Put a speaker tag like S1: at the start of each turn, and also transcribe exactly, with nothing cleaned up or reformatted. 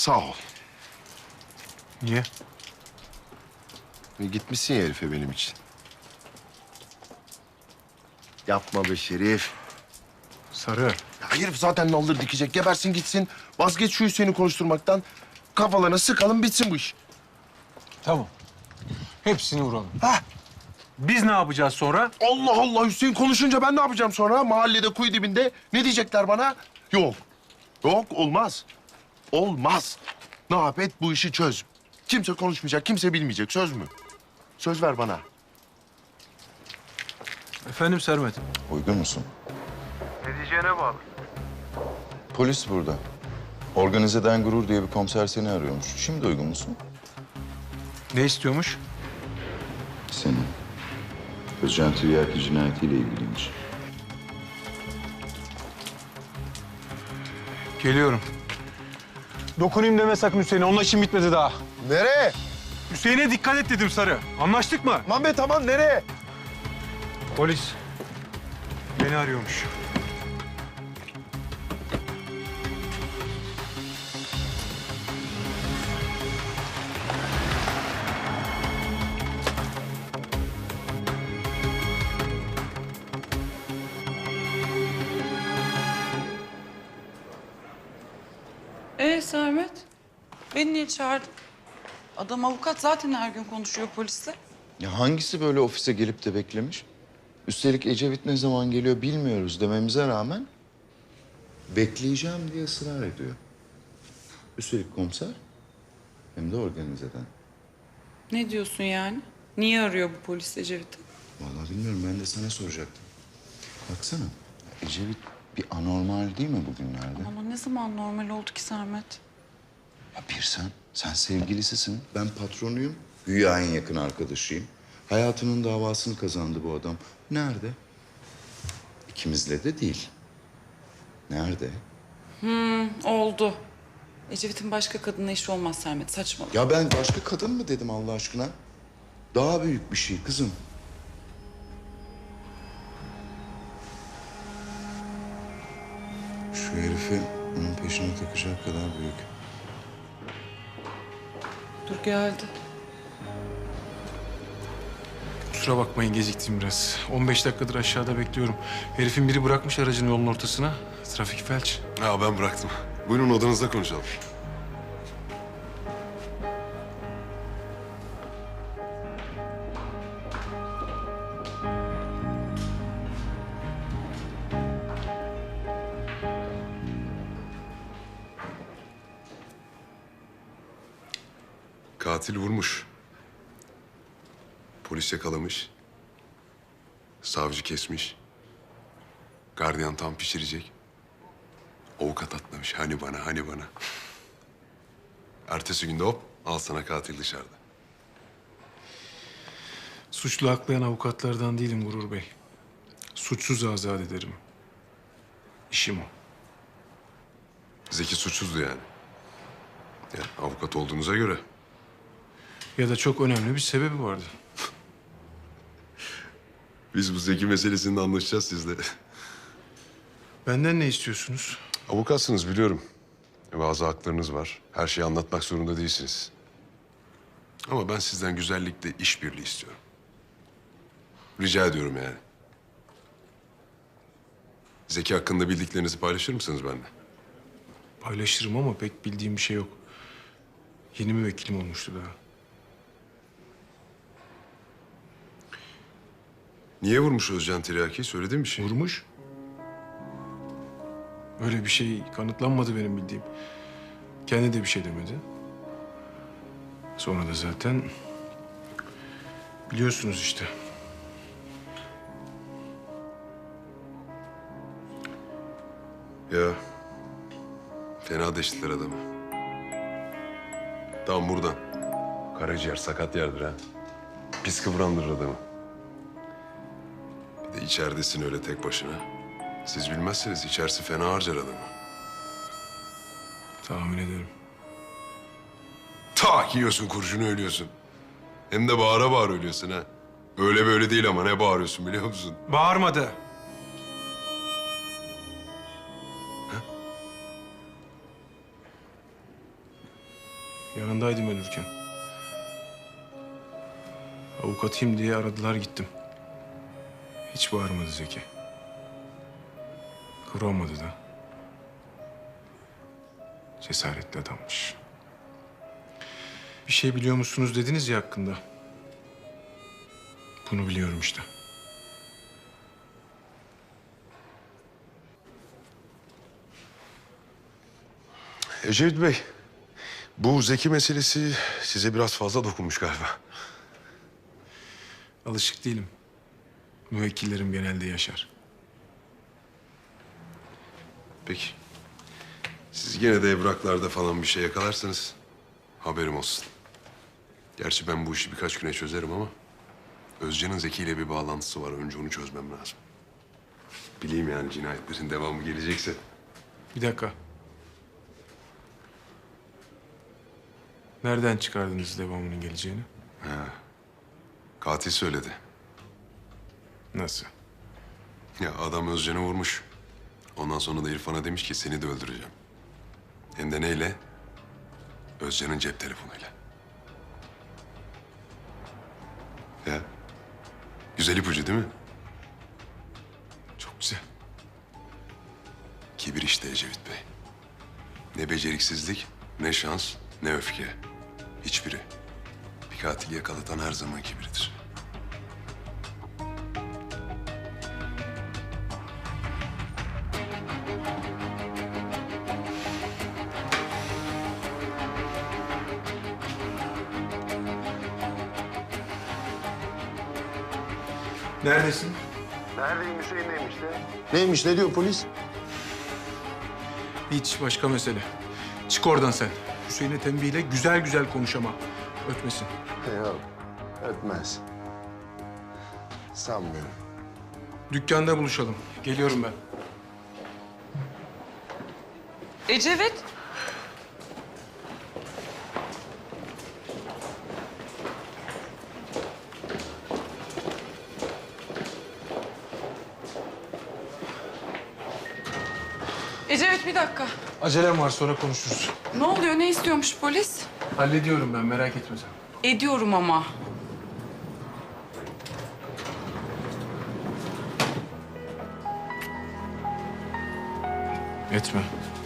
S1: Sağ ol.
S2: Niye?
S1: E, gitmişsin ya herife benim için. Yapma be Şerif.
S2: Sarı.
S1: Ya herif zaten naldır dikecek. Gebersin gitsin. Vazgeç şu Hüseyin'i konuşturmaktan. Kafalarına sıkalım bitsin bu iş.
S2: Tamam. Hepsini vuralım.
S1: Ha?
S2: Biz ne yapacağız sonra?
S1: Allah Allah, Hüseyin konuşunca ben ne yapacağım sonra? Mahallede kuyu dibinde ne diyecekler bana? Yok. Yok, olmaz. Olmaz. Ne yap et bu işi çöz. Kimse konuşmayacak, kimse bilmeyecek. Söz mü? Söz ver bana.
S2: Efendim Sermet.
S3: Uygun musun?
S2: Ne diyeceğine bağlı.
S3: Polis burada. Organizeden Gurur diye bir komiser seni arıyormuş. Şimdi uygun musun?
S2: Ne istiyormuş?
S3: Seni. Özcan Tiryaki cinayetiyle ilgiliymiş.
S2: Geliyorum. Dokunayım deme sakın Hüseyin'e. Onunla işim bitmedi daha.
S1: Nereye?
S2: Hüseyin'e dikkat et dedim Sarı. Anlaştık mı?
S1: Aman be tamam, nereye?
S2: Polis beni arıyormuş.
S4: Ee Sermet, beni niye çağırdın? Adam avukat, zaten her gün konuşuyor polisle.
S3: Ya hangisi böyle ofise gelip de beklemiş? Üstelik Ecevit ne zaman geliyor bilmiyoruz dememize rağmen bekleyeceğim diye ısrar ediyor. Üstelik komiser hem de organizeden.
S4: Ne diyorsun yani? Niye arıyor bu polis Ecevit'i?
S3: Vallahi bilmiyorum, ben de sana soracaktım. Baksana, Ecevit bir anormal değil mi bugünlerde?
S4: Ama ne zaman normal oldu ki Sermet?
S3: Ya bir sen, sen sevgilisisin, ben patronuyum, güya en yakın arkadaşıyım. Hayatının davasını kazandı bu adam. Nerede? İkimizle de değil. Nerede?
S4: Oldu. Ecevit'in başka kadınla işi olmaz Sermet, saçmalama.
S3: Ya ben başka kadın mı dedim Allah aşkına? Daha büyük bir şey kızım. Şu herifi onun peşine takacak kadar büyük.
S4: Dur geldi.
S2: Kusura bakmayın, geciktim biraz. on beş dakikadır aşağıda bekliyorum. Herifin biri bırakmış aracını yolun ortasına. Trafik felç.
S5: Ha ben bıraktım. Buyurun odanızda konuşalım. Katil vurmuş. Polis yakalamış. Savcı kesmiş. Gardiyan tam pişirecek. Avukat atlamış. Hani bana, hani bana. Ertesi günde hop, al sana katil dışarıda.
S2: Suçlu haklayan avukatlardan değilim Gurur Bey. Suçsuz azat ederim. İşim o.
S5: Zeki suçsuzdu yani. Ya avukat olduğunuza göre.
S2: Ya da çok önemli bir sebebi vardı.
S5: Biz bu Zeki meselesinde anlaşacağız sizle.
S2: Benden ne istiyorsunuz?
S5: Avukatsınız biliyorum. Bazı haklarınız var. Her şeyi anlatmak zorunda değilsiniz. Ama ben sizden güzellikle işbirliği istiyorum. Rica ediyorum yani. Zeki hakkında bildiklerinizi paylaşır mısınız benimle?
S2: Paylaşırım ama pek bildiğim bir şey yok. Yeni müvekkilim olmuştu daha.
S5: Niye vurmuş Özcan Tiryaki'yi? Söylediğin bir şey.
S2: Vurmuş. Öyle bir şey kanıtlanmadı benim bildiğim. Kendi de bir şey demedi. Sonra da zaten biliyorsunuz işte.
S5: Ya fena deştiler adamı. Tam buradan. Karaciğer sakat yerdir ha. Pis kıvrandırır adamı. Bir de içeridesin öyle tek başına. Siz bilmezseniz içerisi fena harcar adamı.
S2: Tahmin ederim.
S5: Tak yiyorsun kurşunu ölüyorsun. Hem de bağıra bağıra ölüyorsun ha. Öyle böyle değil ama ne bağırıyorsun biliyor musun?
S2: Bağırmadı. Yanındaydım ölürken. Avukatıyım diye aradılar gittim. Hiç bağırmadı Zeki. Kıvranmadı da. Cesaretli adammış. Bir şey biliyor musunuz dediniz ya hakkında. Bunu biliyorum işte.
S5: Ecevit Bey, bu Zeki meselesi size biraz fazla dokunmuş galiba.
S2: Alışık değilim. Müvekkillerim genelde yaşar.
S5: Peki. Siz gene de evraklarda falan bir şey yakalarsanız haberim olsun. Gerçi ben bu işi birkaç güne çözerim ama Özcan'ın Zeki ile bir bağlantısı var. Önce onu çözmem lazım. Bileyim yani cinayetlerin devamı gelecekse.
S2: Bir dakika. Nereden çıkardınız devamının geleceğini?
S5: Katil söyledi.
S2: Nasıl?
S5: Ya adam Özcan'ı vurmuş. Ondan sonra da İrfan'a demiş ki seni de öldüreceğim. Hem de neyle? Özcan'ın cep telefonuyla. Ya. Güzel ipucu değil mi?
S2: Çok güzel.
S5: Kibir işte Ecevit Bey. Ne beceriksizlik, ne şans, ne öfke. Hiçbiri. Bir katili yakalatan her zaman kibirdir.
S2: Neredesin?
S1: Neredeyim Hüseyin'deyim işte. Neymiş ne diyor polis?
S2: Hiç başka mesele. Çık oradan sen. Hüseyin'e tembihle güzel güzel konuş ama. Ötmesin.
S1: Yok ötmez. Sanmıyorum.
S2: Dükkanda buluşalım. Geliyorum ben.
S4: Ecevit. Ecevit bir dakika.
S2: Acelem var sonra konuşuruz.
S4: Ne oluyor? Ne istiyormuş polis?
S2: Hallediyorum ben merak etme sen.
S4: Ediyorum ama.
S2: Etme.